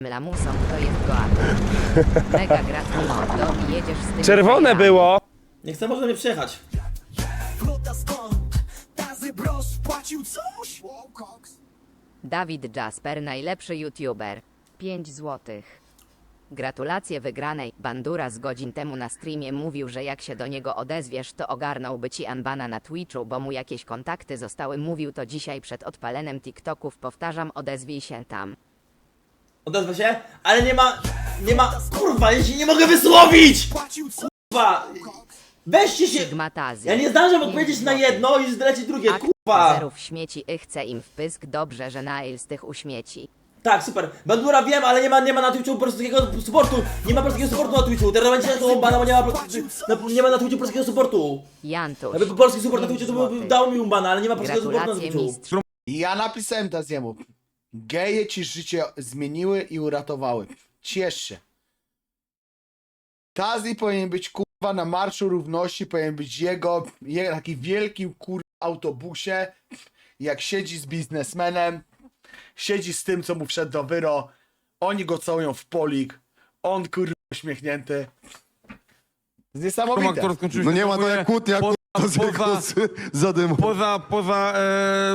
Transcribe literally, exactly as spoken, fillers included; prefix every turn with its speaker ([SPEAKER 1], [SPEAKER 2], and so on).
[SPEAKER 1] lamusą, to jest goat. Mega gratki mordo i jedziesz z tym.
[SPEAKER 2] Czerwone było!
[SPEAKER 3] Nie chcę, można mnie przejechać.
[SPEAKER 1] Dawid Jasper, najlepszy youtuber. pięć złotych. Gratulacje wygranej. Bandura z godzin temu na streamie mówił, że jak się do niego odezwiesz, to ogarnąłby ci unbana na Twitchu, bo mu jakieś kontakty zostały. Mówił to dzisiaj przed odpalenem TikToków. Powtarzam, odezwij się tam.
[SPEAKER 3] Odezwę się, ale nie ma... Nie ma... Kurwa, ja się nie mogę wysłowić! Kurwa! Weźcie się...
[SPEAKER 1] Sigmatazy.
[SPEAKER 3] Ja nie zdążę
[SPEAKER 1] pięć
[SPEAKER 3] odpowiedzieć na
[SPEAKER 1] złotych.
[SPEAKER 3] jedno i zleci drugie,
[SPEAKER 1] Akt
[SPEAKER 3] kurwa!
[SPEAKER 1] zerów śmieci i chce im w pysk. Dobrze, że Nail z tych uśmieci.
[SPEAKER 3] Tak, super. Bandura wiem, ale nie ma, nie ma na Twitchu polskiego supportu. Nie ma polskiego supportu na Twitchu. Teraz będzie taką bana, bo nie ma, na, nie ma na Twitchu polskiego supportu.
[SPEAKER 1] Jantusz.
[SPEAKER 3] Jakby polski support na
[SPEAKER 1] pięć
[SPEAKER 3] Twitchu to by
[SPEAKER 1] złotych.
[SPEAKER 3] dał mi umbana, ale nie ma polskiego supportu na
[SPEAKER 1] Gratulacje
[SPEAKER 3] Twitchu.
[SPEAKER 1] mistrz.
[SPEAKER 4] I ja napisałem teraz jemu. Geje ci życie zmieniły i uratowały. Ciesz się. Tazi powinien być kurwa na Marszu Równości, powinien być jego, jego taki wielkim kurwa autobusie, jak siedzi z biznesmenem, siedzi z tym, co mu wszedł do wyro, oni go całują w polik, on kurwa uśmiechnięty. Niesamowite.
[SPEAKER 5] Aktor skończył
[SPEAKER 6] No
[SPEAKER 5] się
[SPEAKER 6] nie ma to
[SPEAKER 5] kupuje
[SPEAKER 6] jak kłótnia,
[SPEAKER 5] poza,
[SPEAKER 6] jak z
[SPEAKER 5] poza,
[SPEAKER 6] zadymu.
[SPEAKER 5] poza, poza e,